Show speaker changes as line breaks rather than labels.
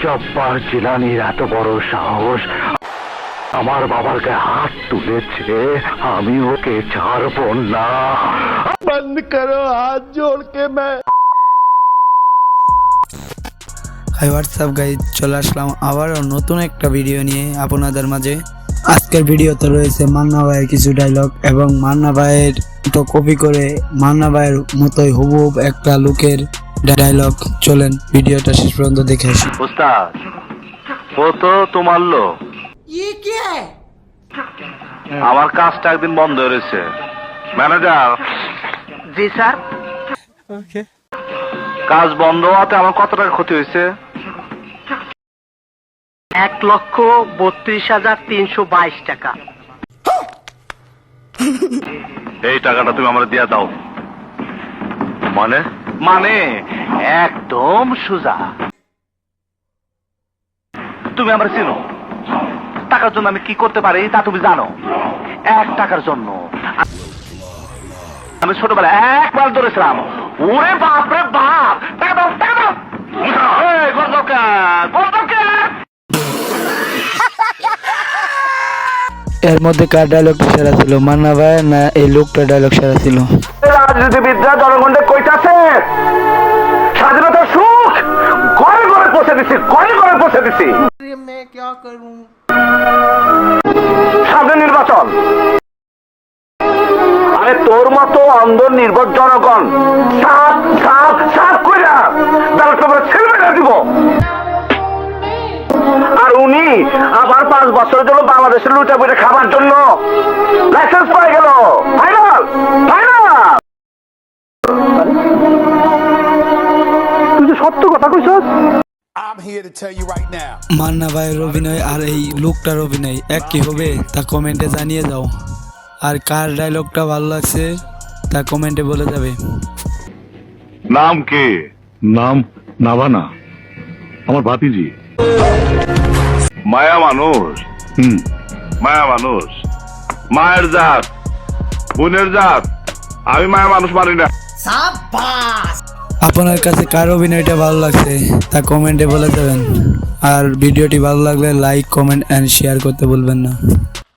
জব্বার জিলানির এত বড় সাহস আমার বাবার গায়ে হাত তুলেছে, আমি ওকে ছাড়বো না। বন্ধ করো হাত জোড় কে
হাই হোয়াটসঅ্যাপ গাইজ, চলে আসলাম আবারও নতুন একটা ভিডিও নিয়ে আপনাদের মাঝে। আজকের ভিডিওতে রয়েছে মান্না ভাইয়ের কিছু ডায়লগ এবং মান্না ভাইয়ের তো কপি করে মান্না ভাইয়ের মতোই হুবহুব একটা লুকের ডায়লগ। চলেন ভিডিওটা শেষ পর্যন্ত দেখে আসি।
উস্তাদ, ও তো তোমার লোক। আমার কাজটা একদিন বন্ধ হয়েছে ম্যানেজার।
জি স্যার।
কাজ বন্ধ হওয়াতে আমার কত টাকা ক্ষতি হয়েছে?
1,32,322 টাকা।
এই টাকাটা তুমি আমার দিয়া দাও। মানে মানে একদম সোজা। তুমি আমার চিনো, টাকার জন্য আমি কি করতে পারি তা তুমি জানো। 1 টাকার জন্য আমি ছোটবেলায় একবার ধরেছিলাম। ওরে বাপ রে বাপ, টাকা দাও টাকা দাও।
এর মধ্যে কার ডায়লগটা সেরা ছিল, মান্না ভাই না এই লোকটা ডায়লগ সেরা ছিল?
রাজনীতিবিদরা জনগণকে কইতাছে স্বাধীনতার সুখ ঘরে ঘরে পৌঁছে দিছি, ঘরে ঘরে পৌঁছে দিছি। সামনে নির্বাচন, আরে তোর মতো অন্ধ নির্ভর জনগণ সাপ সাপ সাপ কইরা ব্যালট পেপারে ছেড়ে দিব। আর উনি আবার 5 বছরের জন্য বাংলাদেশের লুটা পুটে খাবার জন্য লাইসেন্স পাই গেল। Final final. তুই যে সত্য কথা কইছস।
মান্না ভাইয়ের অভিনয় আর এই লোকটার অভিনয় এক কি হবে তা কমেন্টে জানিয়ে যাও। আর কার ডায়লগটা ভালো লাগছে তা কমেন্টে বলে যাবে।
নাম কে? নাম নাভানা, আমার ভাতিজি। মায়া মানুষ, মায়া মানুষ, মায়ের জাত, বোনের জাত। আমি মায়া মানুষ মানি না।
আপনার কাছে কার অভিনয়টা ভালো লাগছে তা কমেন্টে বলে যাবেন। আর ভিডিওটি ভালো লাগলে লাইক, কমেন্ট এন্ড শেয়ার করতে ভুলবেন না।